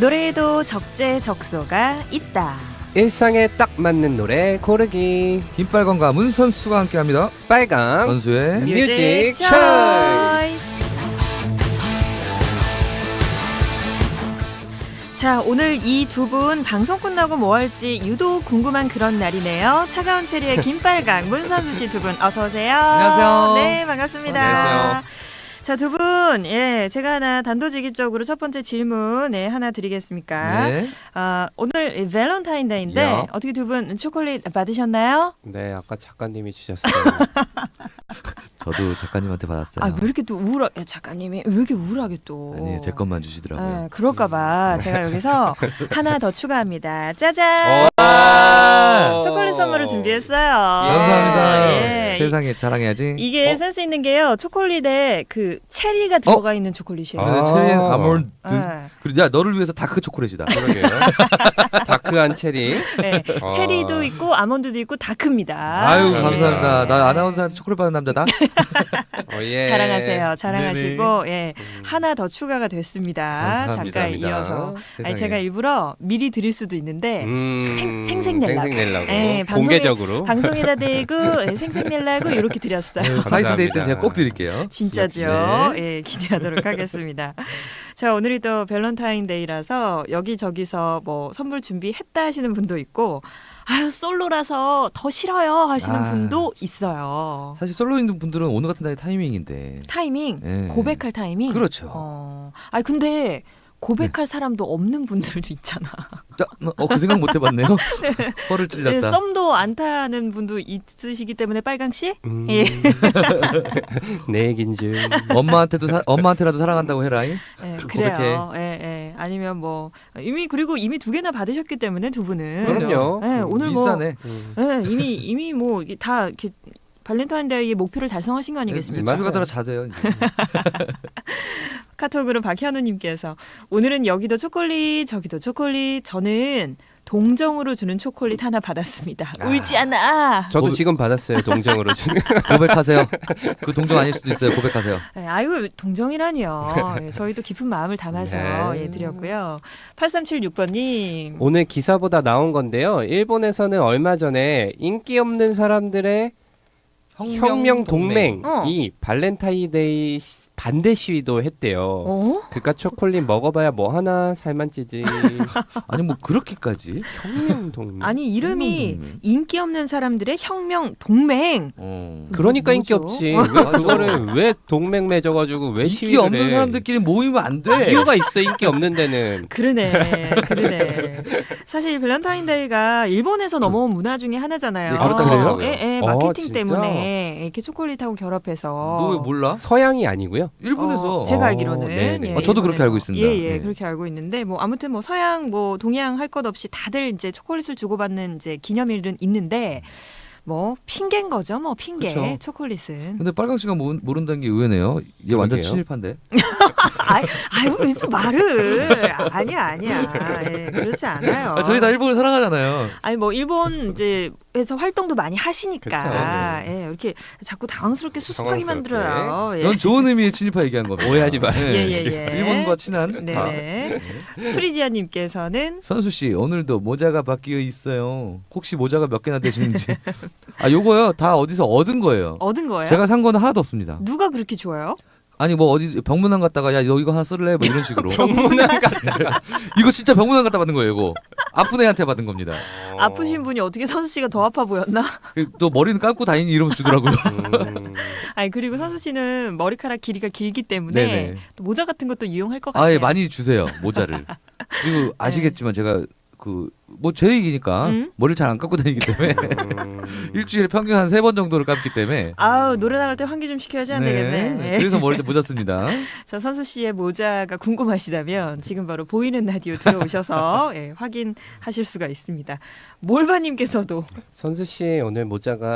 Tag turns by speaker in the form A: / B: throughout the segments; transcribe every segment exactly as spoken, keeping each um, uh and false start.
A: 노래에도 적재적소가 있다.
B: 일상에 딱 맞는 노래 고르기.
C: 김빨강과 문선수가 함께합니다.
B: 빨강
C: 선수의
B: 뮤직
A: 초이스. 자, 오늘 이 두 분 방송 끝나고 뭐 할지 유독 궁금한 그런 날이네요. 차가운 체리의 김빨강, 문선수 씨 두 분 어서 오세요.
C: 안녕하세요.
A: 네, 반갑습니다.
B: 안녕하세요.
A: 자, 두 분, 예, 제가 하나 단도직입적으로 첫 번째 질문, 예, 하나 드리겠습니까?
C: 네.
A: 아, 오늘 밸런타인데이인데
B: 야.
A: 어떻게 두 분 초콜릿 받으셨나요?
B: 네, 아까 작가님이 주셨어요.
C: 저도 작가님한테 받았어요.
A: 아, 왜 이렇게 또 우울하, 야, 작가님이 왜 이렇게 우울하게 또.
C: 아니, 제 것만 주시더라고요.
A: 아, 그럴까봐 제가 여기서 하나 더 추가합니다. 짜잔!
B: 와!
A: 초콜릿 선물을 준비했어요.
C: 감사합니다.
A: 예.
C: 세상에 자랑해야지.
A: 이게
B: 어?
A: 센스 있는 게요. 초콜릿에 그 체리가 들어가 있는 초콜릿이에요.
C: 아,
B: 아.
C: 체리 아몬드.
A: 네.
C: 그리고 야 너를 위해서 다크 초콜릿이다.
B: 그러게요. 다크한 체리.
A: 네.
B: 아.
A: 체리도 있고 아몬드도 있고 다크입니다.
C: 아유
B: 네.
C: 감사합니다. 나 아나운서한테 초콜릿 받은 남자다.
B: 어, 예.
A: 자랑하세요. 자랑하시고 예. 하나 더 추가가 됐습니다.
C: 감사합니다.
A: 작가에 이어서.
C: 세상에.
A: 아니, 제가 일부러 미리 드릴 수도 있는데
B: 음,
A: 생- 생색내려고.
B: 생색내려고.
A: 예, 방송에-
B: 공개적으로.
A: 방송에다 대고 예, 생색내려고 이렇게 드렸어요.
C: 하이스데이 때
B: 감사합니다.
C: 제가 꼭 드릴게요.
A: 진짜죠.
C: 네.
A: 예, 기대하도록 하겠습니다. 자, 오늘이 또 밸런타인데이라서 여기저기서 뭐 선물 준비했다 하시는 분도 있고 아유 솔로라서 더 싫어요 하시는
C: 아.
A: 분도 있어요.
C: 사실 솔로 있는 분들은 오늘 같은 날이 타이밍인데.
A: 타이밍,
C: 예.
A: 고백할 타이밍.
C: 그렇죠.
A: 어, 아니 근데 고백할 사람도 없는 분들도 있잖아.
C: 자, 어, 그 생각 못 해봤네요. 허를
A: 예,
C: 찔렸다.
A: 썸도 안 타는 분도 있으시기 때문에 빨강 씨.
B: 음,
A: 예.
B: 내 얘긴 줄.
C: 엄마한테도 사, 엄마한테라도 사랑한다고 해라.
A: 예,
C: 고백해.
A: 그래요. 예, 예. 아니면 뭐 이미 그리고 이미 두 개나 받으셨기 때문에 두 분은.
B: 그럼요.
A: 예, 오늘 뭐
C: 비싸네.
B: 음.
A: 예, 이미 이미 뭐 이게 다 이렇게 발렌타인데이의 목표를 달성하신 거 아니겠습니까?
C: 집에 가더라 자대요. 이제.
A: 카톡으로 박현우님께서 오늘은 여기도 초콜릿 저기도 초콜릿 저는 동정으로 주는 초콜릿 하나 받았습니다.
C: 아.
A: 울지 않아.
B: 저도
C: 고백-
B: 지금 받았어요. 동정으로 주는.
C: 고백하세요. 그 동정 아닐 수도 있어요. 고백하세요.
A: 예, 아이고 동정이라니요. 예, 저희도 깊은 마음을 담아서
B: 네.
A: 예, 드렸고요. 팔삼칠육 번님.
B: 오늘 기사보다 나온 건데요. 일본에서는 얼마 전에 인기 없는 사람들의 혁명 동맹이
A: 어.
B: 발렌타인데이 시- 반대 시위도 했대요.
A: 어?
B: 그깟 초콜릿 먹어봐야 뭐 하나 살만 찌지.
C: 아니 뭐 그렇게까지?
B: 혁명 동맹.
A: 아니 이름이
C: 혁명 동맹.
A: 인기 없는 사람들의 혁명 동맹.
C: 어.
B: 그러니까 인기
A: 뭐죠?
B: 없지. 왜 그거를 왜 동맹 맺어가지고 왜
C: 인기
B: 시위를
C: 없는
B: 해?
C: 사람들끼리 모이면 안 돼.
B: 이유가 있어. 인기 없는 데는.
A: 그러네, 그러네. 사실 발렌타인데이가 일본에서 넘어온 문화 중에 하나잖아요.
C: 예, 그렇다 그래요?
A: 예, 예,
B: 어,
A: 마케팅
B: 진짜?
A: 때문에 이렇게 초콜릿하고 결합해서.
C: 너 왜 몰라?
B: 서양이 아니고요.
C: 일본에서.
A: 어, 제가
B: 어,
A: 알기로는
B: 네네.
A: 예,
C: 어, 저도 그렇게
A: 일본에서.
C: 알고 있습니다.
A: 예, 예,
C: 네.
A: 그렇게 알고 있는데 뭐 아무튼 뭐 서양 뭐 동양 할 것 없이 다들 이제 초콜릿을 주고받는 이제 기념일은 있는데 뭐 핑계인 거죠, 뭐 핑계.
C: 그쵸.
A: 초콜릿은.
C: 근데 빨강 씨가 모, 모른다는 게 의외네요. 이게 완전
B: 그러게요.
C: 친일파인데.
A: 아이, 아유, 또 말을 아니야, 아니야. 예, 그렇지 않아요.
C: 아, 저희 다 일본을 사랑하잖아요.
A: 아니 뭐 일본 이제 에서 활동도 많이 하시니까
B: 그쵸,
A: 예, 이렇게 자꾸 당황스럽게 수습하게
B: 당황스럽게.
A: 만들어요. 예.
C: 전 좋은 의미의 친일파 얘기한 겁니다.
B: 오해하지 마세요.
C: 네.
A: 예, 예, 예.
C: 일본과 친한 파.
A: 네네. 프리지아님께서는
C: 선수 씨 오늘도 모자가 바뀌어 있어요. 혹시 모자가 몇 개나 되시는지. 아 요거요 다 어디서 얻은 거예요.
A: 얻은 거예요?
C: 제가 산 거는 하나도 없습니다.
A: 누가 그렇게 좋아요?
C: 아니 뭐 어디 병문안 갔다가 야 너 이거 하나 쓸래? 뭐 이런 식으로.
B: 병문안 갔다.
C: 이거 진짜 병문안 갔다 받은 거예요. 이거 아픈 애한테 받은 겁니다.
A: 아프신 분이 어떻게 선수 씨가 더 아파 보였나?
C: 그 또 머리는 감고 다니니 이러면서 주더라고요.
B: 음.
A: 아니 그리고 선수 씨는 머리카락 길이가 길기 때문에
C: 네네.
A: 또 모자 같은 것도 이용할 것 같아요.
C: 아예 많이 주세요 모자를. 그리고 아시겠지만 제가 그 뭐 제 얘기니까
A: 음?
C: 머리를 잘 안 감고 다니기 때문에
B: 음.
C: 일주일에 평균 한 세 번 정도를 감기 때문에.
A: 아우 노래 나갈 때 환기 좀 시켜야지 안 되겠네. 예.
C: 그래서 머리를 모자 씁니다.
A: 자 선수 씨의 모자가 궁금하시다면 지금 바로 보이는 라디오 들어오셔서 예, 확인하실 수가 있습니다. 몰바님께서도
B: 선수 씨 오늘 모자가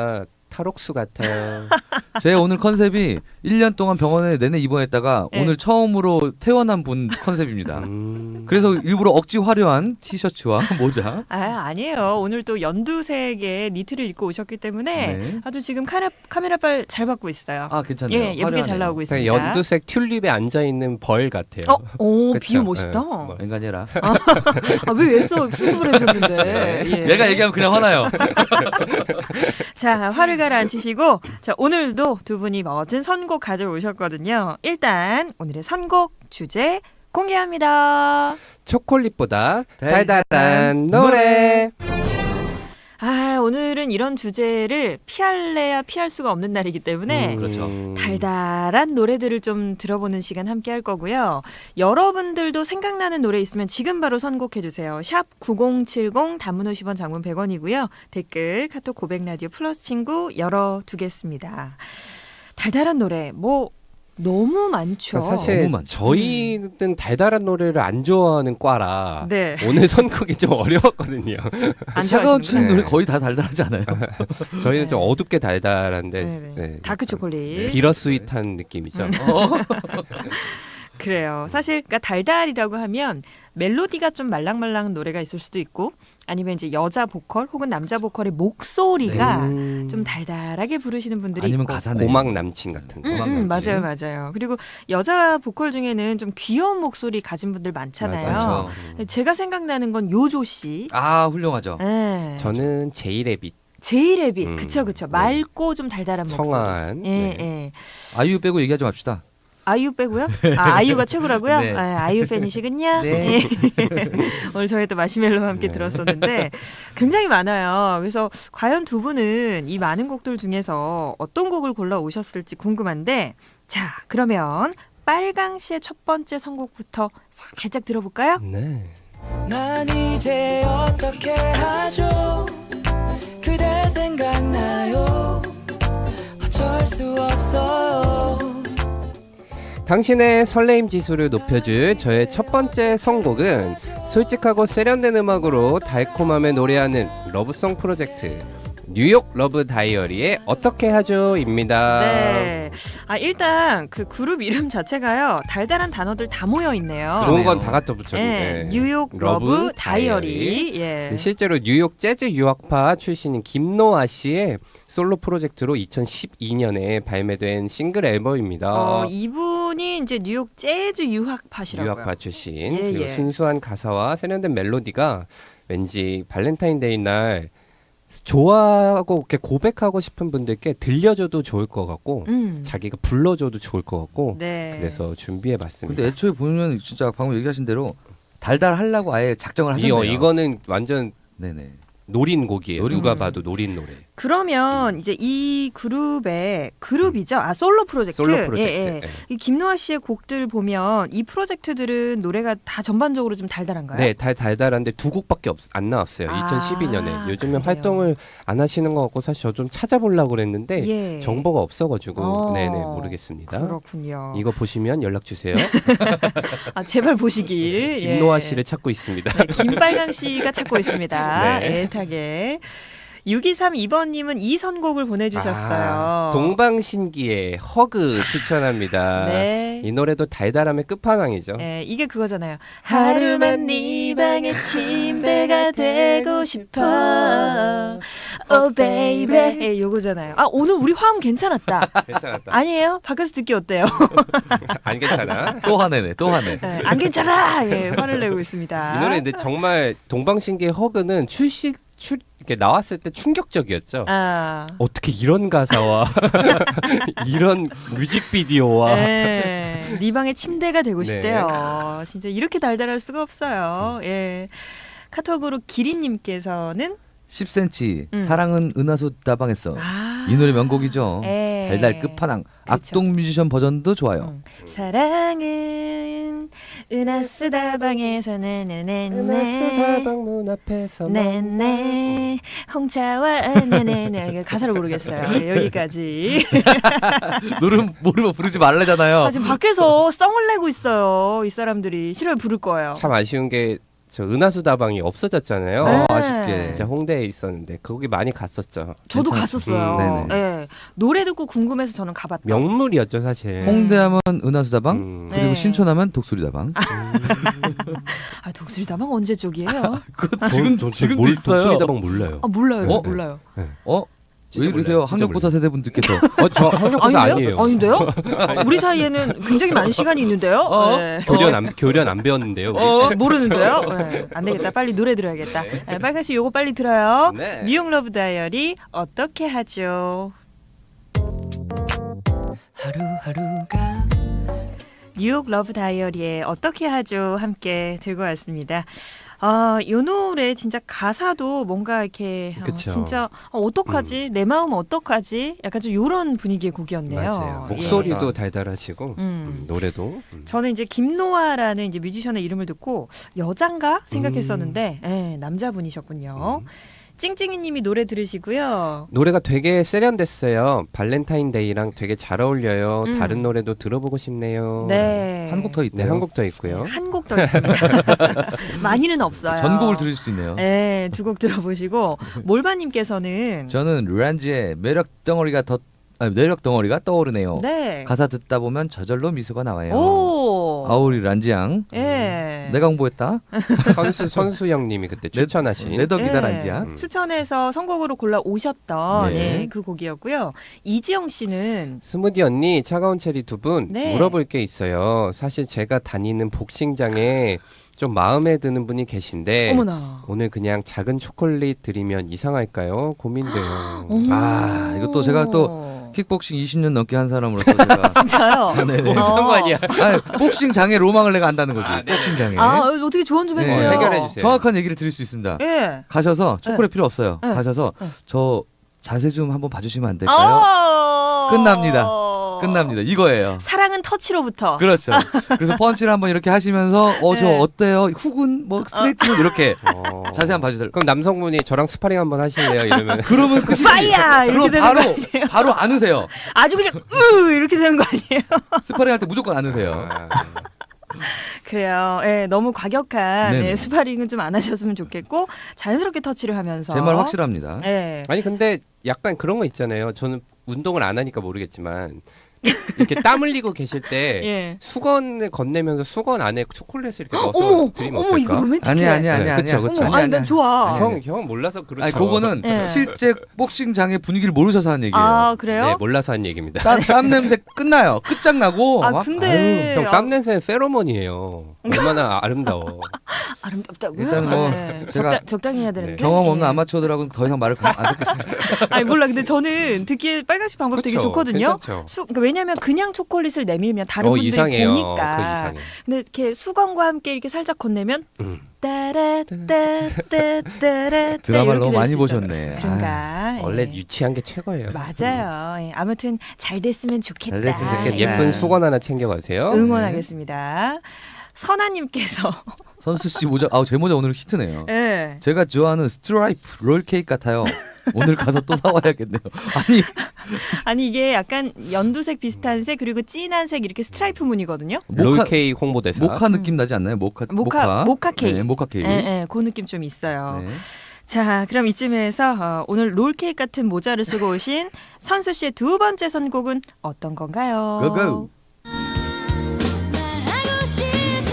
B: 탈옥수 같아요.
C: 제 오늘 컨셉이 일 년 동안 병원에 내내 입원했다가
A: 네.
C: 오늘 처음으로 퇴원한 분 컨셉입니다.
B: 음.
C: 그래서 일부러 억지 화려한 티셔츠와 모자.
A: 아 아니에요. 오늘 또 연두색의 니트를 입고 오셨기 때문에
C: 네.
A: 아주 지금 카메라 카메라빨 잘 받고 있어요.
C: 아 괜찮네요.
A: 예, 예쁘게 잘
C: 화려하네요.
A: 나오고
B: 그냥
A: 있습니다.
B: 연두색 튤립에 앉아 있는 벌 같아요.
A: 어, 오
B: 그쵸?
A: 비유 멋있다.
B: 네, 뭐.
C: 앵간해라.
A: 아, 왜 애써 수습을 해줬는데?
B: 네.
A: 예.
C: 얘가 얘기하면 그냥 화나요.
A: 자 화를 가라앉히시고 자 오늘도 두 분이 멋진 선곡 가져오셨거든요. 일단 오늘의 선곡 주제 공개합니다.
B: 초콜릿보다
C: 달달한
B: 달달한 노래.
A: 아 오늘은 이런 주제를 피할래야 피할 수가 없는 날이기 때문에
B: 음,
C: 그렇죠.
A: 달달한 노래들을 좀 들어보는 시간 함께 할 거고요. 여러분들도 생각나는 노래 있으면 지금 바로 선곡해 주세요. 샵 구공칠공 단문 오십 원 장문 백 원이고요. 댓글 카톡 고백 라디오 플러스 친구 열어두겠습니다. 달달한 노래 뭐 너무 많죠.
B: 그러니까 사실
C: 너무 많죠.
B: 저희는 달달한 노래를 안 좋아하는 과라
A: 네.
B: 오늘 선곡이 좀 어려웠거든요.
A: 안
C: 차가운
A: 좋아하시는구나.
C: 춘
B: 네.
C: 노래 거의 다 달달하지 않아요?
B: 저희는
A: 네.
B: 좀 어둡게 달달한데
A: 네네.
B: 네.
A: 다크 초콜릿.
B: 비러 스윗한 느낌이죠.
A: 음. 그래요. 사실 그러니까 달달이라고 하면 멜로디가 좀 말랑말랑한 노래가 있을 수도 있고 아니면 이제 여자 보컬 혹은 남자 보컬의 목소리가
B: 음,
A: 좀 달달하게 부르시는 분들이
C: 아니면
A: 있고.
C: 가사네.
B: 고막 남친 같은 거.
A: 음,
C: 고막
A: 음,
C: 남친.
A: 맞아요, 맞아요. 그리고 여자 보컬 중에는 좀 귀여운 목소리 가진 분들 많잖아요.
C: 맞아요.
B: 음.
A: 제가 생각나는 건 요조 씨.
C: 아 훌륭하죠.
A: 네.
B: 저는 제이레빗
A: 제이레빗,
B: 음,
A: 그쵸, 그쵸.
B: 네.
A: 맑고 좀 달달한 목소리.
B: 청아한.
A: 예,
B: 네.
A: 예.
C: 아이유 빼고 얘기하지 맙시다.
A: 아이유 빼고요? 아, 아이유가 최고라고요?
C: 네.
A: 아, 아이유 팬이시군요.
C: 네.
A: 예. 오늘 저희 또 마시멜로와 함께
B: 네.
A: 들었었는데 굉장히 많아요. 그래서 과연 두 분은 이 많은 곡들 중에서 어떤 곡을 골라 오셨을지 궁금한데 자, 그러면 빨강 씨의 첫 번째 선곡부터 살짝 들어볼까요?
B: 네.
D: 난 이제 어떻게 하죠? 그대 생각나요? 어쩔 수 없어요.
B: 당신의 설레임 지수를 높여줄 저의 첫 번째 선곡은 솔직하고 세련된 음악으로 달콤함을 노래하는 러브송 프로젝트 뉴욕 러브 다이어리의 어떻게 하죠입니다.
A: 네. 아, 일단 그 그룹 이름 자체가요. 달달한 단어들 다 모여 있네요.
B: 좋은
C: 그러네요.
B: 건 다 갖다
A: 예,
B: 붙였는데
A: 뉴욕 러브,
B: 러브
A: 다이어리. 예.
B: 실제로 뉴욕 재즈 유학파 출신인 김노아 씨의 솔로 프로젝트로 이천십이 년에 발매된 싱글 앨범입니다.
A: 어, 이분이 이제 뉴욕 재즈 유학파시라고요.
B: 유학파 출신
A: 예,
B: 그리고
A: 예.
B: 순수한 가사와 세련된 멜로디가 왠지 발렌타인데이 날 좋아하고 이렇게 고백하고 싶은 분들께 들려줘도 좋을 것 같고
A: 음.
B: 자기가 불러줘도 좋을 것 같고
A: 네.
B: 그래서 준비해봤습니다.
C: 근데 애초에 보면 진짜 방금 얘기하신 대로 달달하려고 아예 작정을 하셨네요.
B: 이, 이거는 완전
C: 네네.
B: 노린 곡이에요.
C: 노린
B: 누가
A: 곡.
B: 봐도 노린 노래.
A: 그러면 이제 이 그룹의 그룹이죠. 아 솔로 프로젝트.
B: 솔로 프로젝트.
A: 예, 예.
B: 예.
A: 이 김노아 씨의 곡들 보면 이 프로젝트들은 노래가 다 전반적으로 좀 달달한가요?
B: 네, 달, 달달한데 두 곡밖에 없, 안 나왔어요.
A: 아,
B: 이천십이 년에. 요즘에
A: 그래요.
B: 활동을 안 하시는 것 같고 사실 저 좀 찾아보려고 그랬는데
A: 예.
B: 정보가 없어가지고
A: 어,
B: 네네 모르겠습니다.
A: 그렇군요.
B: 이거 보시면 연락 주세요.
A: 아 제발 보시길.
B: 김노아
A: 예.
B: 씨를 찾고 있습니다.
A: 네, 김빨강 씨가 찾고 있습니다.
B: 네.
A: 애타게. 육이삼이 번님은 이 선곡을 보내주셨어요.
B: 아, 동방신기의 허그 추천합니다.
A: 네.
B: 이 노래도 달달함의 끝판왕이죠.
A: 네, 이게 그거잖아요. 하루만 네 방의 침대가 되고 싶어. Oh baby. 예, 요거잖아요. 아 오늘 우리 화음 괜찮았다.
B: 괜찮았다.
A: 아니에요? 밖에서 듣기 어때요?
B: 안 괜찮아?
C: 또 화내네. 또 화내.
A: 네, 안 괜찮아. 예, 화를 내고 있습니다.
B: 이 노래 근데 정말 동방신기의 허그는 출시 출 이렇게 나왔을 때 충격적이었죠.
A: 아.
B: 어떻게 이런 가사와 이런 뮤직비디오와
A: 네, 네 방의 침대가 되고
B: 네.
A: 싶대요. 진짜 이렇게 달달할 수가 없어요. 예. 카톡으로 기린님께서는
C: 십 센티미터
A: 음.
C: 사랑은 은하수 다방했어.
A: 아,
C: 이 노래 명곡이죠.
A: 예.
C: 달달 끝판왕.
A: 그렇죠.
C: 악동 뮤지션 버전도 좋아요.
A: 음. 사랑은 은하수 다방에서 네네네네
B: 방문 앞에서
A: 네네 홍차와 네네네 가사를 모르겠어요. 예, 여기까지.
C: 노래 모르면 부르지 말래잖아요.
A: 아, 지금 밖에서 썽을 내고 있어요. 이 사람들이 싫어요 부를 거예요.
B: 참 아쉬운 게 저 은하수 다방이 없어졌잖아요.
A: 네.
C: 어, 아쉽게.
B: 진짜 홍대에 있었는데 거기 많이 갔었죠.
A: 저도
C: 괜찮-
A: 갔었어요.
C: 음, 네네.
A: 예. 노래 듣고 궁금해서 저는 가봤다.
B: 명물이었죠 사실.
C: 홍대하면 은하수다방
B: 음.
C: 그리고
A: 네.
C: 신촌하면 독수리다방.
A: 아, 독수리다방 언제 쪽이에요?
C: 그거
B: 저- 저- 저 몰- 독수리 다방 몰라요.
A: 아, 몰라요. 저
C: 어?
A: 몰라요.
C: 어? 왜
B: 진짜
C: 이러세요?
B: 몰라요. 진짜
C: 학력고사 세대분들께서.
B: 어, 저 한국사 아니에요.
A: 아닌데요? 우리 사이에는 굉장히 많은 시간이 있는데요.
C: 어?
A: 네.
B: 교련 안 교련 안 배웠는데요. 우리.
A: 어, 모르는데요? 네. 안 되겠다. 빨리 노래 들어야겠다. 네, 빨간 씨 요거 빨리 들어요.
B: 네.
A: 뉴욕 러브 다이어리 어떻게 하죠?
D: 하루하루가
A: 뉴욕 러브 다이어리에 어떻게 하죠? 함께 들고 왔습니다. 아, 이 노래 진짜 가사도 뭔가 이렇게 어,
B: 그쵸.
A: 진짜 어, 어떡하지? 내 마음 어떡하지? 약간 좀 이런 분위기의 곡이었네요.
B: 맞아요.
A: 예.
B: 목소리도 달달하시고
A: 음.
B: 음, 노래도. 음.
A: 저는 이제 김노아라는 이제 뮤지션의 이름을 듣고 여잔가 생각했었는데 예, 남자분이셨군요.
B: 음.
A: 찡찡이님이 노래 들으시고요.
B: 노래가 되게 세련됐어요. 발렌타인데이랑 되게 잘 어울려요.
A: 음.
B: 다른 노래도 들어보고 싶네요.
A: 네,
C: 한 곡 더
B: 네,
C: 있대요.
B: 한 곡 더 있고요.
A: 한 곡 더 있습니다. 많이는 없어요.
C: 전곡을 들을 수 있네요.
A: 네, 두 곡 들어보시고 몰바님께서는
C: 저는 류란지의 매력 덩어리가 더 아니, 매력 덩어리가 떠오르네요.
A: 네,
C: 가사 듣다 보면 저절로 미소가 나와요.
A: 오,
C: 아우 우리 란지양.
A: 예,
C: 내가 홍보했다.
B: 선수 선수 형님이 그때 추천하신
C: 내 덕이다
A: 예,
C: 란지야.
B: 음.
A: 추천해서 선곡으로 골라 오셨던
C: 네.
A: 예, 그 곡이었고요. 이지영 씨는
B: 스무디 언니, 차가운 체리 두 분
A: 네.
B: 물어볼 게 있어요. 사실 제가 다니는 복싱장에 좀 마음에 드는 분이 계신데
A: 어머나.
B: 오늘 그냥 작은 초콜릿 드리면 이상할까요? 고민돼요.
A: 어머.
C: 아, 이것도 제가 또 킥복싱 이십 년 넘게 한 사람으로서 제가
A: 진짜요?
C: 네네.
A: 어.
B: 상관이야.
C: 아니, 복싱 장의 로망을 내가 안다는 거지.
B: 아, 네.
C: 복싱 장에.
A: 아, 어떻게 조언 좀
C: 네.
A: 해주세요.
B: 해결해 주세요.
C: 정확한 얘기를 드릴 수 있습니다.
A: 예.
C: 가셔서 초콜릿 필요 없어요.
A: 네.
C: 가셔서
A: 네.
C: 저 자세 좀 한번 봐주시면 안 될까요?
A: 아~
C: 끝납니다. 끝납니다. 이거예요.
A: 사랑은 터치로부터.
C: 그렇죠. 그래서 펀치를 한번 이렇게 하시면서 어 저
A: 네.
C: 어때요? 훅은 뭐 스트레이트는 이렇게
B: 어.
C: 자세 한번 봐주세요.
B: 그럼 남성분이 저랑 스파링 한번 하실래요? 이러면
C: 그러면 끝이지.
A: 파이야 이렇게
C: 그럼
A: 되는
C: 바로
A: 거 아니에요?
C: 바로 안으세요.
A: 아주 그냥 으 이렇게 되는 거 아니에요?
C: 스파링 할 때 무조건 안으세요.
B: 아,
A: 그래요. 예, 너무 과격한
C: 네네.
A: 예, 스파링은 좀 안 하셨으면 좋겠고 자연스럽게 터치를 하면서.
C: 제 말 확실합니다.
A: 예.
B: 아니 근데 약간 그런 거 있잖아요. 저는 운동을 안 하니까 모르겠지만 이렇게 땀 흘리고 계실 때
A: 예.
B: 수건을 건네면서 수건 안에 초콜릿을 이렇게 넣어서
A: 어머,
B: 드리면
A: 어머 이거
B: 어떨까?
A: 로맨틱해.
C: 아니 아니 아니
B: 네,
C: 아니.
B: 그쵸, 그쵸.
A: 어머, 아니 난 좋아.
C: 아니,
B: 형, 형은 몰라서 그렇죠.
C: 아니 그거는
A: 예.
C: 실제 복싱장의 분위기를 모르셔서 하는 얘기예요.
A: 아 그래요?
B: 네, 몰라서 한 얘기입니다.
C: 땀, 땀 냄새 끝나요. 끝장나고.
A: 아
C: 막,
A: 근데
B: 형, 땀 냄새는 페로몬이에요. 얼마나 아름다워.
A: 아름답다고요?
C: 일단 뭐
A: 네.
C: 제가
A: 적당, 적당히 해야 되는데.
B: 네.
C: 경험 없는
A: 예.
C: 아마추어들하고는 더 이상 말을 안 듣겠습니다.
A: 아니 몰라. 근데 저는 듣기에 빨간색 방법 되게
B: 그쵸?
A: 좋거든요.
B: 괜찮죠?
A: 수, 그러니까 왜냐하면 그냥 초콜릿을 내밀면 다른
B: 어,
A: 분들이
B: 이상해요.
A: 보니까.
B: 그 이상해.
A: 근데 이렇게 수건과 함께 이렇게 살짝 건네면
B: 음.
A: 따라따따따따라
C: 드라마를
A: 이렇게
C: 너무
A: 될
C: 많이
A: 수 있잖아요.
C: 보셨네.
A: 그런가? 예.
B: 원래 유치한 게 최고예요.
A: 맞아요. 예. 아무튼 잘 됐으면 좋겠다.
C: 잘 됐으면 좋겠다.
A: 예.
B: 예쁜 수건 하나 챙겨가세요.
A: 응원하겠습니다. 선아님께서
C: 선수 씨 모자, 아우 제 모자 오늘 히트네요.
A: 예.
C: 제가 좋아하는 스트라이프 롤 케이크 같아요. 오늘 가서 또 사와야겠네요. 아니
A: 아니 이게 약간 연두색 비슷한 색 그리고 진한 색 이렇게 스트라이프 무늬거든요.
C: 모카
B: 롤케이크 홍보대사.
C: 모카 느낌 나지 않나요? 모카
A: 모카 모카 케이크.
C: 네, 모카 케이크.
A: 예, 예, 그 느낌 좀 있어요.
C: 네.
A: 자, 그럼 이쯤에서 어, 오늘 롤케이크 같은 모자를 쓰고 오신 선수 씨의 두 번째 선곡은 어떤 건가요?
C: 고고.
E: 말하고 싶은데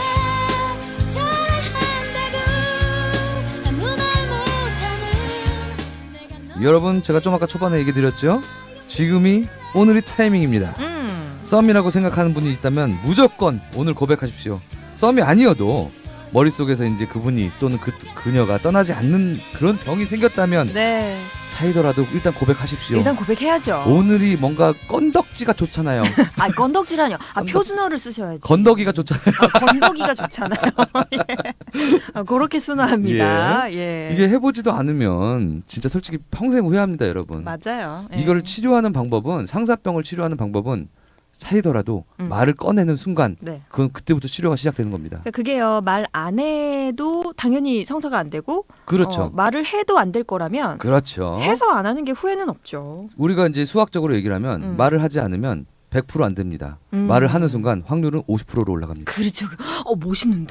E: 사랑한다고 아무 말 못하는 내가 너
C: 여러분 제가 좀 아까 초반에 얘기 드렸죠? 지금이 오늘이 타이밍입니다.
A: 음.
C: 썸이라고 생각하는 분이 있다면 무조건 오늘 고백하십시오. 썸이 아니어도 머릿속에서 이제 그분이 또는 그 그녀가 떠나지 않는 그런 병이 생겼다면
A: 네.
C: 차이더라도 일단 고백하십시오.
A: 일단 고백해야죠.
C: 오늘이 뭔가 건덕지가 좋잖아요.
A: 아, 건덕지라뇨. 아,
C: 건덕-
A: 표준어를 쓰셔야지.
C: 건더기가 좋잖아요.
A: 아, 건더기가 좋잖아요. 예. 아, 그렇게 순화합니다. 예.
C: 이게 해보지도 않으면 진짜 솔직히 평생 후회합니다, 여러분.
A: 맞아요. 예.
C: 이걸 치료하는 방법은 상사병을 치료하는 방법은 차이더라도
A: 음.
C: 말을 꺼내는 순간
A: 네.
C: 그건 그때부터 치료가 시작되는 겁니다.
A: 그러니까 그게요. 말 안 해도 당연히 성사가 안 되고
C: 그렇죠.
A: 어, 말을 해도 안 될 거라면
C: 그렇죠.
A: 해서 안 하는 게 후회는 없죠.
C: 우리가 이제 수학적으로 얘기를 하면
A: 음.
C: 말을 하지 않으면 백 퍼센트 안 됩니다.
A: 음.
C: 말을 하는 순간 확률은 오십 퍼센트로 올라갑니다.
A: 그렇죠. 어 멋있는데?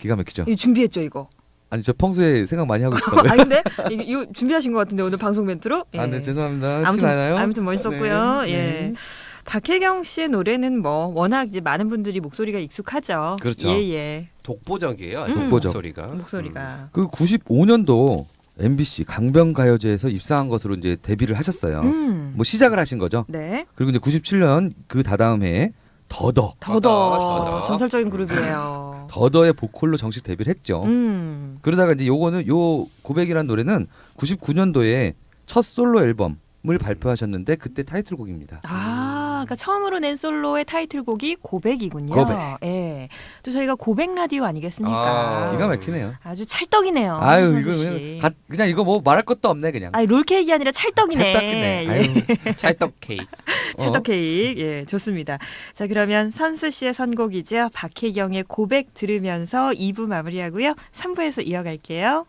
C: 기가 막히죠.
A: 이거 준비했죠 이거.
C: 아니 저 평소에 생각 많이 하고 있다고요.
A: 아닌데 이거, 이거 준비하신 것 같은데 오늘 방송 멘트로. 예.
C: 아, 네 죄송합니다. 티
A: 아무튼
C: 나나요?
A: 아무튼 멋있었고요.
C: 네.
A: 예.
C: 네.
A: 박혜경 씨의 노래는 뭐 워낙 이제 많은 분들이 목소리가 익숙하죠.
C: 그렇죠.
A: 예예.
B: 독보적이에요.
A: 음.
C: 독보적.
B: 목소리가.
A: 목소리가.
C: 그 구십오 년도 엠비씨 강변가요제에서 입상한 것으로 이제 데뷔를 하셨어요.
A: 음.
C: 뭐 시작을 하신 거죠.
A: 네.
C: 그리고 이제 구십칠 년 그 다다음 해에 더더
A: 더더
B: 더더.
A: 전설적인 그룹이에요.
C: 더더의 보컬로 정식 데뷔를 했죠.
A: 음.
C: 그러다가 이제 요거는 요 고백이라는 노래는 구십구 년도에 첫 솔로 앨범을 발표하셨는데 그때 타이틀곡입니다.
A: 아, 그러니까 처음으로 낸 솔로의 타이틀곡이 고백이군요.
C: 고백.
A: 예. 또 저희가 고백 라디오 아니겠습니까?
B: 아,
C: 기가 막히네요.
A: 아주 찰떡이네요.
C: 아유
A: 손수
C: 이거
A: 씨.
C: 그냥, 가- 그냥 이거 뭐 말할 것도 없네 그냥.
A: 아니 롤케이크 아니라 찰떡이네.
C: 찰떡이네.
A: 예.
C: 아유,
B: 찰떡 케이크.
A: 찰떡 케이크. 예, 좋습니다. 자, 그러면 선수 씨의 선곡이죠. 박혜경의 고백 들으면서 이 부 마무리하고요. 삼 부에서 이어갈게요.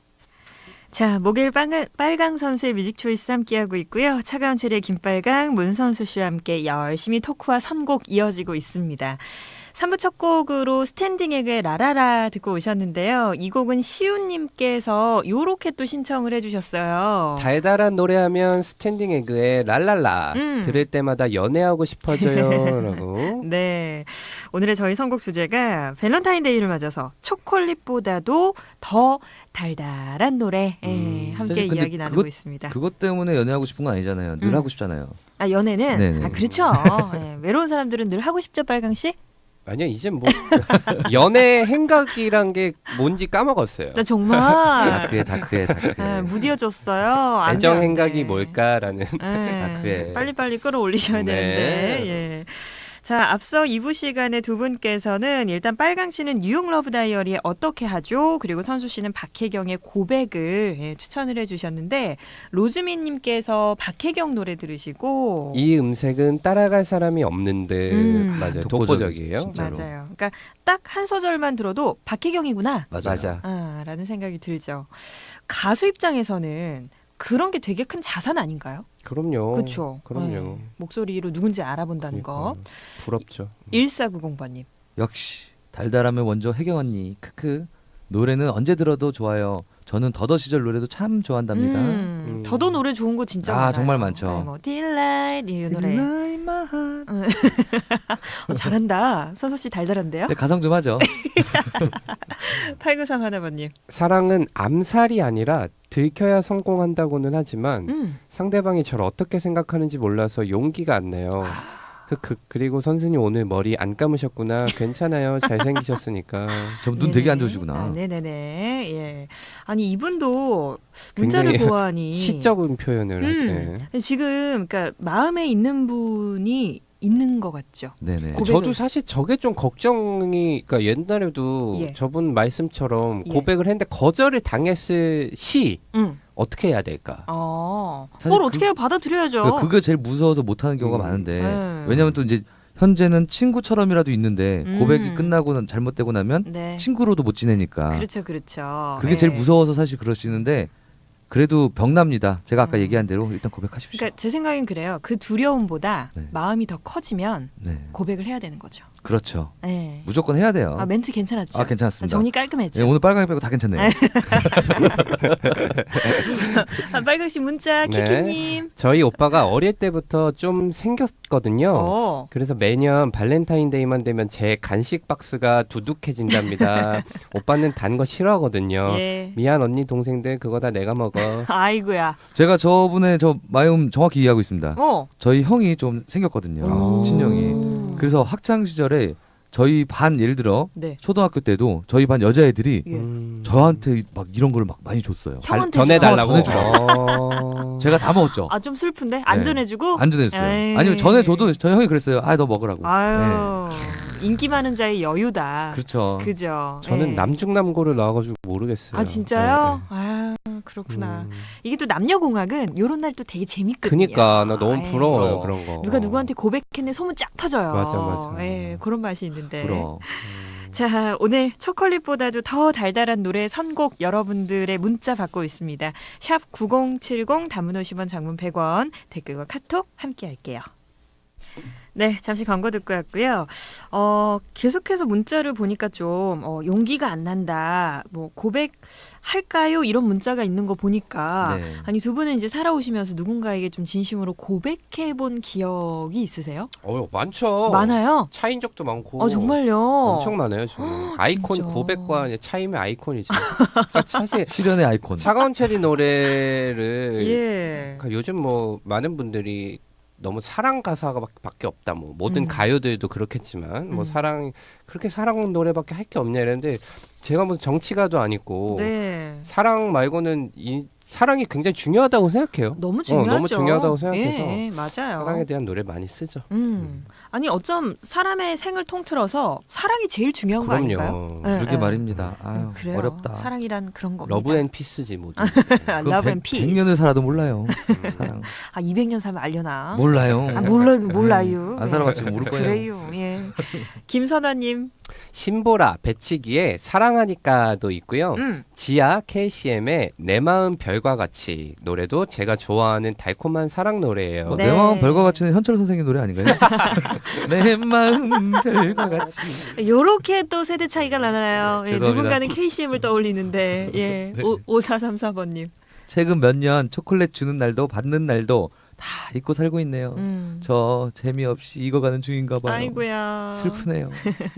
A: 자, 목요일 빨강, 빨강 선수의 뮤직 초이스 함께하고 있고요. 차가운 체리의 김빨강, 문선수 씨와 함께 열심히 토크와 선곡 이어지고 있습니다. 삼 부 첫 곡으로 스탠딩 에그의 라라라 듣고 오셨는데요. 이 곡은 시우님께서 요렇게 또 신청을 해주셨어요.
B: 달달한 노래하면 스탠딩 에그의 랄랄라
A: 음.
B: 들을 때마다 연애하고 싶어져요라고.
A: 네. 오늘의 저희 선곡 주제가 밸런타인데이를 맞아서 초콜릿보다도 더 달달한 노래 예,
B: 음.
A: 함께
C: 사실 근데
A: 이야기 나누고
C: 그것-
A: 있습니다.
C: 그것 때문에 연애하고 싶은 건 아니잖아요. 늘
A: 음.
C: 하고 싶잖아요.
A: 아, 연애는
C: 네네.
A: 아, 그렇죠. 예, 외로운 사람들은 늘 하고 싶죠, 빨강 씨?
B: 아니요 이제 뭐 연애 행각이란 게 뭔지 까먹었어요.
A: 나 정말
C: 다크해 다크해 다크해.
A: 예, 무디어졌어요. 안 돼,
B: 애정
A: 안 돼.
B: 행각이 뭘까라는.
A: 예,
C: 다크해.
A: 빨리빨리 끌어올리셔야
B: 네.
A: 되는데. 예. 자, 앞서 이 부 시간에 두 분께서는 일단 빨강 씨는 뉴욕 러브 다이어리에 어떻게 하죠? 그리고 선수 씨는 박혜경의 고백을 예, 추천을 해주셨는데 로즈민 님께서 박혜경 노래 들으시고
B: 이 음색은 따라갈 사람이 없는 듯.
A: 음.
B: 맞아요.
C: 독보적,
B: 독보적이에요.
C: 진짜로.
A: 맞아요. 그러니까 딱 한 소절만 들어도 박혜경이구나
C: 맞아요.
B: 맞아.
A: 아, 라는 생각이 들죠. 가수 입장에서는 그런 게 되게 큰 자산 아닌가요?
B: 그럼요.
A: 그렇죠.
B: 그럼요.
A: 목소리로 누군지 알아본다는
B: 그러니까.
A: 거.
B: 부럽죠.
A: 일사구공 번님.
C: 역시 달달함의 원조 혜경 언니. 크크. 노래는 언제 들어도 좋아요. 저는 더더 시절 노래도 참 좋아한답니다.
A: 음,
B: 음.
A: 더더 노래 좋은 거 진짜
C: 아,
A: 많아요.
C: 정말 많죠.
A: 네, 뭐 Delight 이 노래.
C: Tonight my heart.
A: 어, 잘한다. 선수 씨 달달한데요?
C: 네, 가성 좀 하죠.
A: 팔구삼 하나번님.
B: 사랑은 암살이 아니라 들켜야 성공한다고는 하지만
A: 음.
B: 상대방이 저를 어떻게 생각하는지 몰라서 용기가 안 나요. 흑흑. 그리고 선생님 오늘 머리 안 감으셨구나. 괜찮아요. 잘생기셨으니까.
C: 좀 눈 되게 안 좋으시구나.
A: 아, 네네네. 예. 아니 이분도 문자를
B: 굉장히
A: 보아하니
B: 시적인 표현을
A: 음.
B: 하죠.
A: 지금 그러니까 마음에 있는 분이 있는 것 같죠.
C: 네네.
A: 고백을.
B: 저도 사실 저게 좀 걱정이, 그러니까 옛날에도
A: 예.
B: 저분 말씀처럼
A: 예.
B: 고백을 했는데 거절을 당했을 시
A: 음.
B: 어떻게 해야 될까?
A: 어.
C: 사실
A: 그걸
C: 그-
A: 어떻게 해요? 받아들여야죠.
C: 그러니까 그게 제일 무서워서 못하는 경우가
B: 음.
C: 많은데
A: 네.
C: 왜냐하면 또 이제 현재는 친구처럼이라도 있는데
A: 음.
C: 고백이 끝나고 난- 잘못되고 나면
A: 네.
C: 친구로도 못 지내니까
A: 그렇죠, 그렇죠.
C: 그게
A: 네.
C: 제일 무서워서 사실 그러시는데 그래도 병납니다. 제가 아까
A: 음.
C: 얘기한 대로 일단 고백하십시오.
A: 그러니까 제 생각엔 그래요. 그 두려움보다
C: 네.
A: 마음이 더 커지면
C: 네,
A: 고백을 해야 되는 거죠.
C: 그렇죠.
A: 네.
C: 무조건 해야 돼요.
A: 아 멘트 괜찮았죠?
C: 아, 괜찮았습니다.
A: 정리 깔끔했죠.
C: 네, 오늘 빨강이 빼고 다 괜찮네요.
A: 아, 빨강씨 문자
B: 네.
A: 키키님.
B: 저희 오빠가 어릴 때부터 좀 생겼거든요.
A: 어.
B: 그래서 매년 발렌타인데이만 되면 제 간식 박스가 두둑해진답니다. 오빠는 단 거 싫어하거든요.
A: 예.
B: 미안 언니 동생들 그거 다 내가 먹어.
A: 아이고야.
C: 제가 저분의 저 마음 정확히 이해하고 있습니다.
A: 어.
C: 저희 형이 좀 생겼거든요.
A: 오.
C: 친형이. 그래서 학창 시절에 저희 반 예를 들어
A: 네.
C: 초등학교 때도 저희 반 여자애들이
A: 예.
B: 음.
C: 저한테 막 이런 걸 막 많이 줬어요.
B: 발-
A: 형한테
B: 전해달라고.
C: 전해주라고.
B: 어.
C: 제가 다 먹었죠.
A: 아 좀 슬픈데 안
C: 네.
A: 전해주고.
C: 안 전해줬어요.
A: 에이.
C: 아니면 전해줘도 저희 형이 그랬어요. 아, 너 먹으라고.
A: 아유 인기 많은 자의 여유다.
C: 네. 그렇죠.
A: 그죠.
B: 저는
A: 예.
B: 남중남고를 나와가지고 모르겠어요.
A: 아 진짜요?
B: 네,
A: 아 그렇구나.
B: 음.
A: 이게 또 남녀공학은 요런 날 또 되게 재밌거든요.
B: 그니까 나 너무
A: 아이.
B: 부러워요
C: 어.
B: 그런 거.
A: 누가 누구한테 고백했네 소문 쫙 퍼져요.
B: 맞아, 맞아.
A: 예, 그런 맛이 있는데.
C: 부러워.
A: 자, 오늘 초콜릿보다도 더 달달한 노래 선곡 여러분들의 문자 받고 있습니다. 샵 구공칠공 단문 오십 원 장문 백 원 댓글과 카톡 함께 할게요. 네, 잠시 광고 듣고 왔고요. 어, 계속해서 문자를 보니까 좀 어, 용기가 안 난다. 뭐 고백할까요? 이런 문자가 있는 거 보니까
C: 네.
A: 아니 두 분은 이제 살아오시면서 누군가에게 좀 진심으로 고백해 본 기억이 있으세요?
B: 어, 많죠.
A: 많아요.
B: 차인 적도 많고.
A: 어, 정말요.
B: 엄청 많아요. 저는. 아이콘
A: 진짜.
B: 고백과 이제 차임의 아이콘이죠. 그러니까 사실
C: 실현의 아이콘.
B: 차가운 체리 노래를
A: 예.
B: 그러니까 요즘 뭐 많은 분들이 너무 사랑 가사가 밖- 밖에 없다. 뭐 모든
A: 음.
B: 가요들도 그렇겠지만 뭐
A: 음.
B: 사랑 그렇게 사랑 노래밖에 할 게 없냐 이랬는데 제가 무슨 정치가도 아니고
A: 네.
B: 사랑 말고는 이 사랑이 굉장히 중요하다고 생각해요.
A: 너무
B: 어,
A: 중요하죠.
B: 너무 중요하다고 생각해서
A: 예, 맞아요.
B: 사랑에 대한 노래 많이 쓰죠.
A: 음. 아니 어쩜 사람의 생을 통틀어서 사랑이 제일 중요한 거 아닐까요?
B: 그럼요.
A: 네,
C: 그러게
A: 네.
C: 말입니다. 아유,
A: 네, 그래요.
C: 어렵다.
A: 사랑이란 그런 겁니다.
B: 러브 앤 피스지 모두.
A: 러브 앤 피스.
C: 백 년을 살아도 몰라요. 사랑.
A: 아 이백 년 살면 알려나?
C: 몰라요.
A: 아 몰라 몰라요.
C: 안 살아봤지만 모를 거예요.
A: 그래요. 예. 김선화님.
B: 신보라 배치기의 사랑하니까도 있고요.
A: 음.
B: 지아 케이씨엠의 내 마음 별과 같이 노래도 제가 좋아하는 달콤한 사랑 노래예요.
C: 뭐,
A: 네.
C: 내 마음 별과 같이는 현철 선생님 노래 아닌가요? 내 마음 별과 같이.
A: 요렇게 또 세대 차이가 나나요? 예,
C: 죄송합니다.
A: 누군가는 케이씨엠을 떠올리는데 예.
C: 네.
A: 오, 오사삼사 번님.
C: 최근 몇 년 초콜릿 주는 날도 받는 날도 다 잊고 살고 있네요.
A: 음.
C: 저 재미없이 익어가는 중인가 봐요.
A: 아이고야.
C: 슬프네요.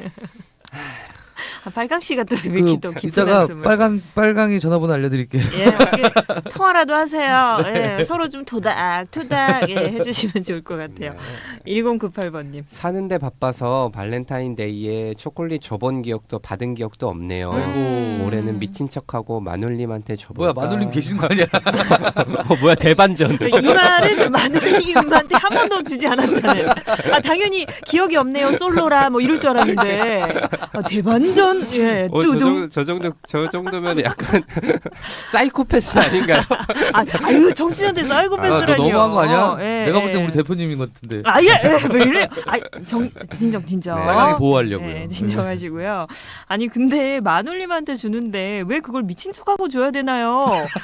A: 아, 발강 씨가 또 왜 이렇게 또
C: 그,
A: 깊은
C: 이따가
A: 한숨을.
C: 빨강 빨강이 전화번호 알려드릴게요.
A: 예, 어떻게 통화라도 하세요. 예, 서로 좀 토닥 토닥 예, 해주시면 좋을 것 같아요. 일공구팔 번님.
B: 사는데 바빠서 발렌타인데이에 초콜릿 줘본 기억도 받은 기억도 없네요.
A: 아이고.
B: 올해는 미친 척하고 마눌님한테 줘볼까.
C: 뭐야 마눌님 계신 거 아니야?
B: 어, 뭐야 대반전.
A: 이 말은 마누님한테 한 번도 주지 않았다는. 아 당연히 기억이 없네요. 솔로라 뭐 이럴 줄 알았는데 아, 대반전. 예,
B: 어, 저,
A: 뚜둥.
B: 정도, 저 정도 저 정도면 약간 사이코패스 아닌가요?
A: 아, 아유 정치한테
C: 아, 너
A: 사이코패스라니요.
C: 너무한 거 아니야?
A: 예,
C: 내가 볼 땐
A: 예.
C: 우리 대표님인 것 같은데.
A: 아, 예, 예, 왜 이래? 아, 정, 진정, 진정.
B: 네.
C: 빨강이 보호하려고요.
A: 네, 진정하시고요. 아니, 근데 마눌님한테 주는데 왜 그걸 미친 척하고 줘야 되나요?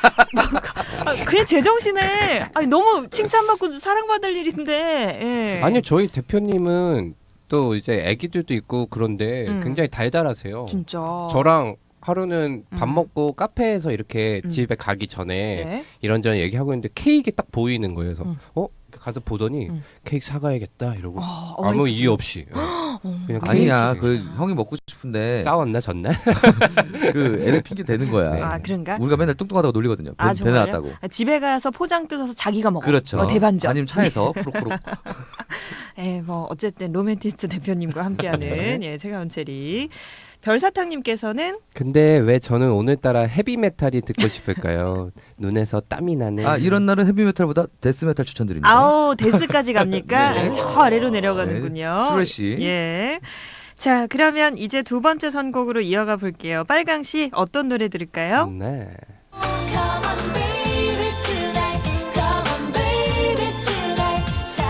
A: 아, 그냥 제정신에. 아니, 너무 칭찬받고 사랑받을 일인데. 예.
B: 아니요 저희 대표님은 또 이제 아기들도 있고 그런데
A: 음.
B: 굉장히 달달하세요.
A: 진짜.
B: 저랑 하루는 밥
A: 음.
B: 먹고 카페에서 이렇게
A: 음.
B: 집에 가기 전에
A: 네.
B: 이런저런 얘기하고 있는데 케이크 딱 보이는 거예요. 그래서
A: 음.
B: 어? 가서 보더니
A: 음.
B: 케이크 사가야겠다 이러고
A: 어,
B: 아무
A: 어이,
B: 이유 없이
A: 어,
B: 그냥
C: 아니야,
B: 케이크
C: 그 형이 먹고 싶은데
B: 싸웠나 졌나?
C: 그 애를 핑계 대는 거야.
B: 네.
A: 아, 그런가?
C: 우리가 맨날 뚱뚱하다고 놀리거든요. 배,
A: 아,
C: 배
A: 정말요?
C: 나왔다고.
A: 아, 집에 가서 포장 뜯어서 자기가 먹어.
C: 그렇죠.
A: 어, 대반전.
C: 아니면 차에서 푸룩푸룩.
A: 예, 뭐 어쨌든 로맨티스트 대표님과 함께하는
B: 네.
A: 예, 최가은 체리. 별사탕님께서는
B: 근데 왜 저는 오늘따라 헤비메탈이 듣고 싶을까요? 눈에서 땀이 나네.
C: 아 이런 날은 헤비메탈보다 데스메탈 추천드립니다.
A: 아우 데스까지 갑니까?
C: 네.
A: 예, 저 아래로 내려가는군요.
C: 슈레시.
A: 예. 자 그러면 이제 두 번째 선곡으로 이어가 볼게요. 빨강 씨 어떤 노래 들을까요?
B: 네.
E: Come on baby tonight Come on baby tonight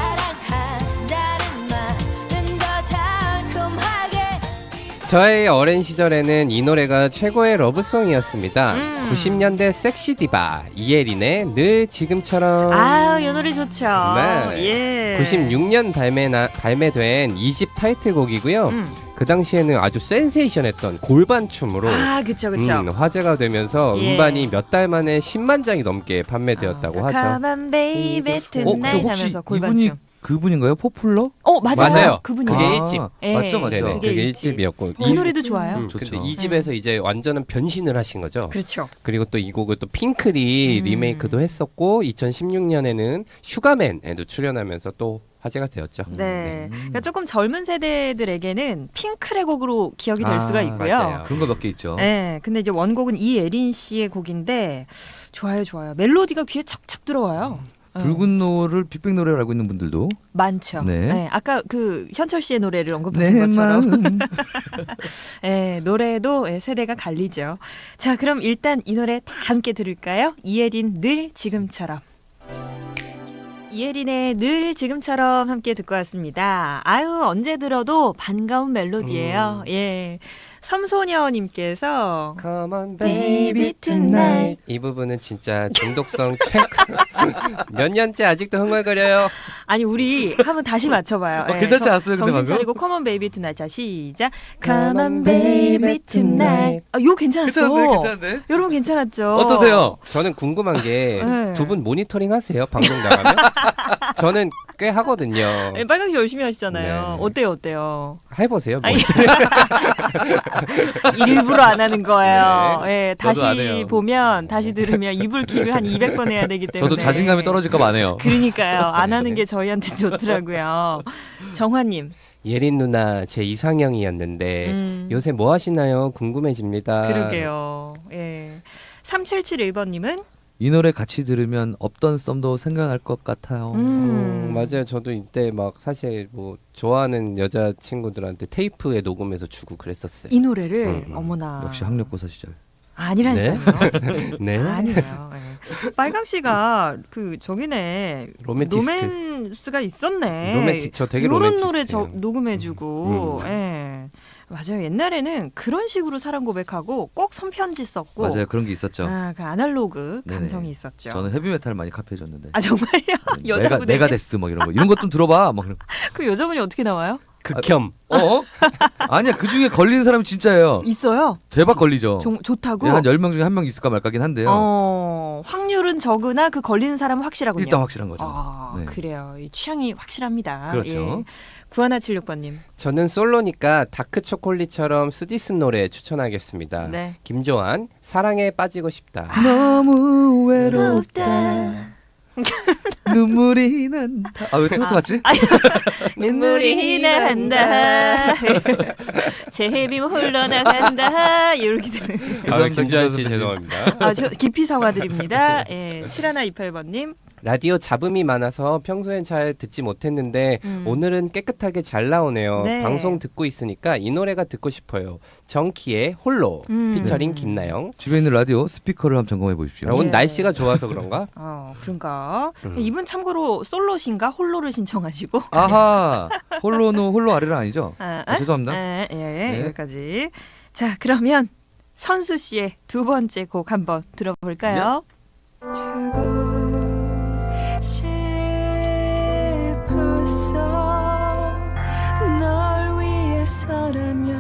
E: 사랑한다는 말은 더 달콤하게
B: 저의 어린 시절에는 이 노래가 최고의 러브송이었습니다.
A: 음.
B: 구십 년대 섹시 디바 이혜린의 늘 지금처럼.
A: 아우 이 노래 좋죠.
B: 네.
A: 예.
B: 구십육 년 발매나, 발매된 이 집 타이틀곡이고요.
A: 음.
B: 그 당시에는 아주 센세이션했던 골반 춤으로
A: 아 그쵸 그쵸.
B: 음, 화제가 되면서
A: 예.
B: 음반이 몇 달 만에 십만 장이 넘게 판매되었다고
A: 아,
B: 하죠.
A: Come on baby
C: 어,
A: tonight
C: 근데 혹시
A: 하면서
C: 이분이
A: 골반춤.
C: 그분인가요? 포플러?
A: 어 맞아요.
B: 맞아요.
A: 그분이요.
B: 그게
C: 아,
B: 일 집.
A: 예.
C: 맞죠, 맞죠.
B: 네네,
A: 그게
B: 그게
A: 일
B: 일 집이었고
A: 이 노래도 좋아요.
B: 음,
C: 좋죠.
B: 근데 이 집에서 이제 완전한 변신을 하신 거죠.
A: 그렇죠.
B: 그리고 또 이 곡을 또 핑클이
A: 음.
B: 리메이크도 했었고 이천십육 년에는 슈가맨에도 출연하면서 또 화제가 되었죠.
A: 네.
C: 음.
A: 그러니까 조금 젊은 세대들에게는 핑클의 곡으로 기억이 될
C: 아,
A: 수가 있고요.
B: 맞아요.
C: 그런 거 몇 개 있죠.
A: 네, 근데 이제 원곡은 이예린 씨의 곡인데 좋아요, 좋아요. 멜로디가 귀에 척척 들어와요. 네.
C: 붉은 노를 빅뱅 노래로 알고 있는 분들도
A: 많죠.
C: 네.
A: 네. 아까 그 현철 씨의 노래를
C: 내
A: 언급하신 것처럼
C: 마음
A: 네, 노래도 예, 세대가 갈리죠. 자, 그럼 일단 이 노래 다 함께 들을까요? 이예린 늘 지금처럼. 이예린의 늘 지금처럼 함께 듣고 왔습니다. 아유 언제 들어도 반가운 멜로디예요.
B: 음.
A: 예, 섬소녀님께서
B: Come on
A: Baby
B: baby tonight. 이 부분은 진짜 중독성 최고. 몇 년째 아직도 흥얼거려요.
A: 아니 우리 한번 다시 맞춰봐요.
C: 어, 괜찮지 않았어요, 근데
A: 정신
C: 방금?
A: 차리고 Come on baby tonight. 자 시작. Come on baby tonight. 아, 요 괜찮았어.
C: 괜찮은데, 괜찮은데.
A: 여러분 괜찮았죠?
C: 어떠세요?
B: 저는 궁금한 게 두
A: 네.
B: 분 모니터링 하세요? 방송 나가면? 저는 꽤 하거든요.
A: 네, 빨강씨 열심히 하시잖아요.
B: 네.
A: 어때요, 어때요?
B: 해보세요. 뭐.
A: 아니, 일부러 안 하는 거예요. 예,
C: 저도 안
A: 다시
C: 해요.
A: 보면 다시 들으면 이불킥을 한 이백 번 해야 되기 때문에.
C: 저도 자신감이 떨어질까 봐 안 해요.
A: 그러니까요. 안 하는 게 저희한테 좋더라고요. 정화님.
B: 예린 누나 제 이상형이었는데
A: 음,
B: 요새 뭐 하시나요? 궁금해집니다.
A: 그러게요. 예. 삼칠칠일 번님은
C: 이 노래 같이 들으면 없던 썸도 생각날 것 같아요.
A: 음.
B: 음, 맞아요. 저도 이때 막 사실 뭐 좋아하는 여자 친구들한테 테이프에 녹음해서 주고 그랬었어요.
A: 이 노래를
B: 음, 음.
A: 어머나.
C: 역시 학력고사 시절.
A: 아니라니까요.
B: 네.
A: 아니에요. 예. 빨강 씨가 그 저기네
B: 로맨티스트.
A: 로맨스가 있었네.
B: 로맨틱 저 되게
A: 이런
B: 로맨티스트예요.
A: 노래 저 녹음해주고,
B: 음.
A: 예. 맞아요. 옛날에는 그런 식으로 사랑 고백하고 꼭 손편지 썼고,
C: 맞아요. 그런 게 있었죠.
A: 아, 그 아날로그
C: 네네.
A: 감성이 있었죠.
C: 저는 헤비메탈 많이 카피해줬는데.
A: 아 정말요?
C: 내가
A: 여자분에게
C: 내가 데스 뭐 이런 거 이런 것 좀 들어봐. 막 이런.
A: 그 여자분이 어떻게 나와요?
B: 극혐.
C: 어? 아니야 그 중에 걸리는 사람이 진짜예요.
A: 있어요.
C: 대박 걸리죠.
A: 좀 좋다고.
C: 예, 한 열 명 중에 한 명 있을까 말까긴 한데요.
A: 어, 확률은 적으나 그 걸리는 사람은 확실하군요.
C: 일단 확실한 거죠.
A: 아,
C: 네.
A: 그래요. 이 취향이 확실합니다.
C: 그렇죠.
A: 예. 구하나칠육 번님.
B: 저는 솔로니까 다크 초콜릿처럼 쓰디쓴 노래 추천하겠습니다.
A: 네.
B: 김조한 사랑에 빠지고 싶다.
C: 너무 외롭다. 눈물이 난다. 아왜 트로트 같지?
A: 눈물이 난다. 제비 홀러 나간다. 이렇게 되는.
B: 아,
C: 죄송합니다,
B: 김조한 씨
C: 김조한
B: 죄송합니다.
A: 아, 저 깊이 사과드립니다. 예. 칠하나이팔 번님.
B: 라디오 잡음이 많아서 평소엔 잘 듣지 못했는데
A: 음.
B: 오늘은 깨끗하게 잘 나오네요.
A: 네.
B: 방송 듣고 있으니까 이 노래가 듣고 싶어요. 정키의 홀로
A: 음.
B: 피처링 김나영.
C: 집에 있는 라디오 스피커를 한번 점검해 보십시오.
B: 아, 오늘
A: 예.
B: 날씨가 좋아서 그런가?
A: 어, 그런가?
B: 음.
A: 이분 참고로 솔로신가 홀로를 신청하시고.
C: 아하 홀로는 홀로 아래는 아니죠?
A: 아,
C: 아, 죄송합니다.
A: 예, 예,
C: 네.
A: 여기까지. 자, 그러면 선수 씨의 두 번째 곡 한번 들어볼까요?
E: 두고 싶었어 널 위해서라면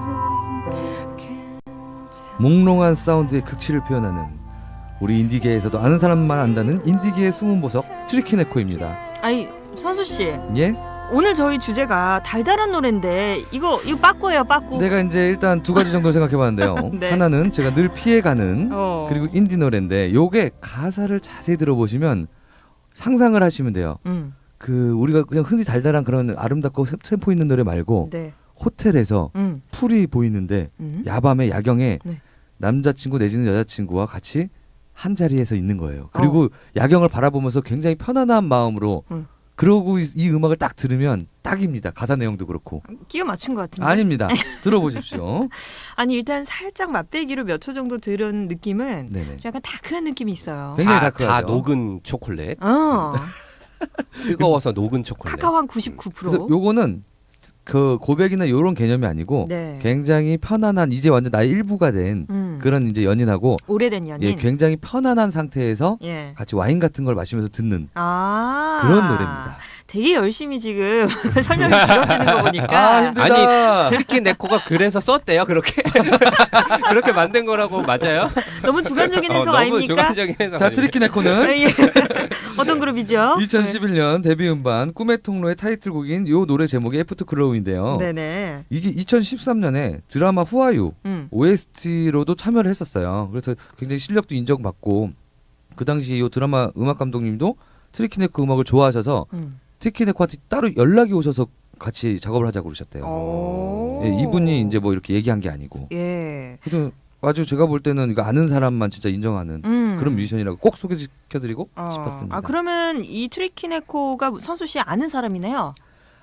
C: 몽롱한 사운드의 극치를 표현하는 우리 인디계에서도 아는 사람만 안다는 인디계의 숨은 보석 트리키네코입니다.
A: 아니, 선수 씨.
C: 예?
A: 오늘 저희 주제가 달달한 노래인데 이거 이거 빠꾸예요, 빠꾸.
C: 내가 이제 일단 두 가지 정도 생각해봤는데요.
A: 네.
C: 하나는 제가 늘 피해가는
A: 어.
C: 그리고 인디 노래인데 요게 가사를 자세히 들어보시면 상상을 하시면 돼요.
A: 음.
C: 그 우리가 그냥 흔히 달달한 그런 아름답고 템포 있는 노래 말고
A: 네.
C: 호텔에서
A: 음.
C: 풀이 보이는데
A: 음.
C: 야밤에 야경에
A: 네.
C: 남자친구 내지는 여자친구와 같이 한 자리에서 있는 거예요. 그리고 야경을 바라보면서 굉장히 편안한 마음으로
A: 음.
C: 그러고 이, 이 음악을 딱 들으면 딱입니다. 가사 내용도 그렇고.
A: 끼워 맞춘 것 같은데.
C: 아닙니다. 들어보십시오.
A: 아니 일단 살짝 맛배기로 몇 초 정도 들은 느낌은
C: 네네.
A: 약간 다크한 느낌이 있어요.
C: 굉장히
B: 다, 다
C: 다크하죠.
B: 녹은 초콜릿.
A: 어.
B: 뜨거워서 녹은 초콜릿.
A: 카카오 한 구십구 퍼센트.
C: 그래서 요거는 그 고백이나 이런 개념이 아니고
A: 네.
C: 굉장히 편안한 이제 완전 나의 일부가 된
A: 음.
C: 그런 이제 연인하고
A: 오래된 연인.
C: 예, 굉장히 편안한 상태에서
A: 예.
C: 같이 와인 같은 걸 마시면서 듣는
A: 아.
C: 그런 노래입니다.
A: 되게 열심히 지금 설명이 길어지는 거 보니까.
C: 아 힘들다.
B: 트리키 네코가 그래서 썼대요. 그렇게 그렇게 만든 거라고 맞아요?
A: 너무 주관적인
B: 어,
A: 해석
B: 너무
A: 아닙니까?
B: 주관적인 해석.
C: 자
B: 아닙니까?
C: 트리키네코는
A: 예. 어떤 그룹이죠?
C: 이천십일 년 데뷔 음반 꿈의 통로의 타이틀곡인 요 노래 제목이 애프터 클로우인데요.
A: 네네.
C: 이게 이천십삼 년에 드라마 후아유
A: 음.
C: 오에스티로도 참여를 했었어요. 그래서 굉장히 실력도 인정받고 그 당시 이 드라마 음악 감독님도 트리키네코 음악을 좋아하셔서
A: 음.
C: 트리키네코한테 따로 연락이 오셔서 같이 작업을 하자고 그러셨대요.
A: 오.
C: 예, 이분이 이제 뭐 이렇게 얘기한 게 아니고.
A: 예.
C: 그래서 아주 제가 볼 때는 이거 아는 사람만 진짜 인정하는
A: 음.
C: 그런 뮤지션이라고 꼭 소개시켜드리고
A: 어.
C: 싶었습니다.
A: 아 그러면 이 트리키네코가 선수 씨 아는 사람이네요.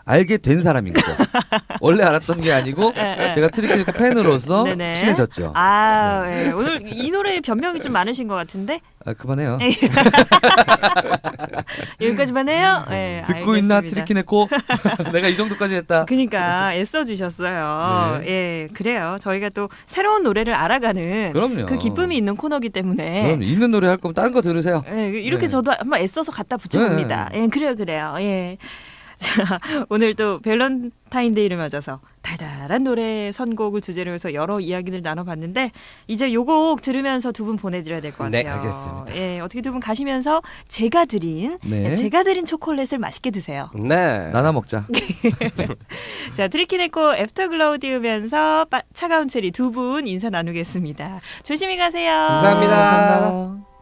C: 알게 된 사람인 거죠. 원래 알았던 게 아니고
A: 네.
C: 제가 트리키네코 팬으로서
A: 네네.
C: 친해졌죠.
A: 아, 예. 오늘 이 노래에 변명이 좀 많으신 것 같은데
C: 아, 그만해요.
A: 여기까지만 해요. 예,
C: 듣고 있나
A: 알겠습니다.
C: 트리키네코? 내가 이 정도까지 했다.
A: 그러니까 애써 주셨어요.
C: 네.
A: 예, 그래요. 저희가 또 새로운 노래를 알아가는
C: 그럼요.
A: 그 기쁨이 있는 코너기 때문에.
C: 그럼 있는 노래 할 거면 다른 거 들으세요.
A: 예, 이렇게
C: 네.
A: 저도 한번 애써서 갖다 붙여봅니다. 예, 그래요, 그래요. 예. 자, 오늘 또 밸런타인데이를 맞아서 달달한 노래 선곡을 주제로 해서 여러 이야기를 나눠봤는데 이제 요 곡 들으면서 두 분 보내드려야 될 것 같아요.
B: 네,
C: 알겠습니다.
A: 예, 어떻게 두 분 가시면서 제가 드린
C: 네.
A: 제가 드린 초콜릿을 맛있게 드세요.
B: 네.
C: 나눠 먹자.
A: 자, 트리키네코 애프터글로우 띄우면서 빠- 차가운 체리 두 분 인사 나누겠습니다. 조심히 가세요.
B: 감사합니다.
C: 감사합니다.